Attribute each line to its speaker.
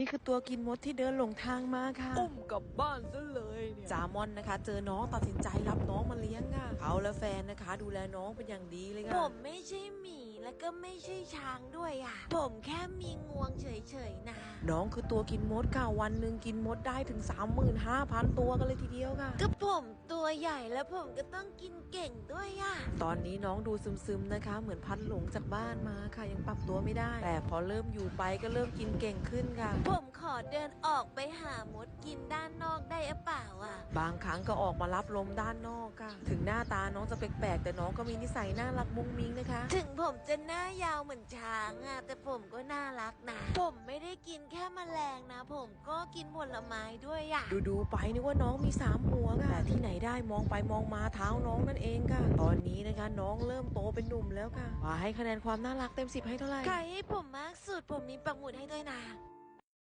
Speaker 1: นี่คือตัวกินมดที่เดินหลงทางมาค่ะ
Speaker 2: อุ้มกลับบ้านซะเลยเนี่ย
Speaker 1: จามอนนะคะเจอน้องตัดสินใจรับน้องมาเลี้ยงค่ะเขาและแฟนนะคะดูแลน้องเป็นอย่างดีเลย
Speaker 3: ผ
Speaker 1: ค่ะ
Speaker 3: มไม่ใช่หมีและก็ไม่ใช่ช้างด้วยอ่ะ ผมแค่มีงวงเฉยๆนะ
Speaker 1: น้องคือตัวกินมดค่ะวันหนึ่งกินมดได้ถึง 35,000 ตัวกันเลยทีเดียวค่ะ
Speaker 3: ก็ผมตัวใหญ่แล้วผมก็ต้องกินเก่งด้วยอ่ะ
Speaker 1: ตอนนี้น้องดูซึมๆนะคะ เหมือนพัดหลงจากบ้านมาค่ะยังปรับตัวไม่ได้ แต่พอเริ่มอยู่ไปก็เริ่มกินเก่งขึ้นค่ะ
Speaker 3: ผมขอเดินออกไปหามดกินด้านนอกได้หรือเปล่าอ่ะ
Speaker 1: บางครั้งก็ออกมารับลมด้านนอกค่ะ ถึงหน้าตาน้องจะแปลกๆแต่น้องก็มีนิสัยน่ารักมุ้งมิ้งนะคะ
Speaker 3: ถึงผมจะหน้ายาวเหมือนช้างอ่ะแต่ผมก็น่ารักนะ ผมไม่ได้กินแค่แมลงนะ ผมก็กินผลไม้ด้วยอ่ะ
Speaker 1: ดูไปนึกว่าน้องมี3หัวค่ะแต่ที่ไหนได้มองไปมองมาเท้าน้องนั่นเองค่ะ ตอนนี้นะคะน้องเริ่มโตเป็นหนุ่มแล้วค่ะว่าให้คะแนนความน่ารักเต็ม10ให้เท่าไหร่
Speaker 3: ใครให้ผมมากสุดผมมีปักหมุดให้ด้วยนะ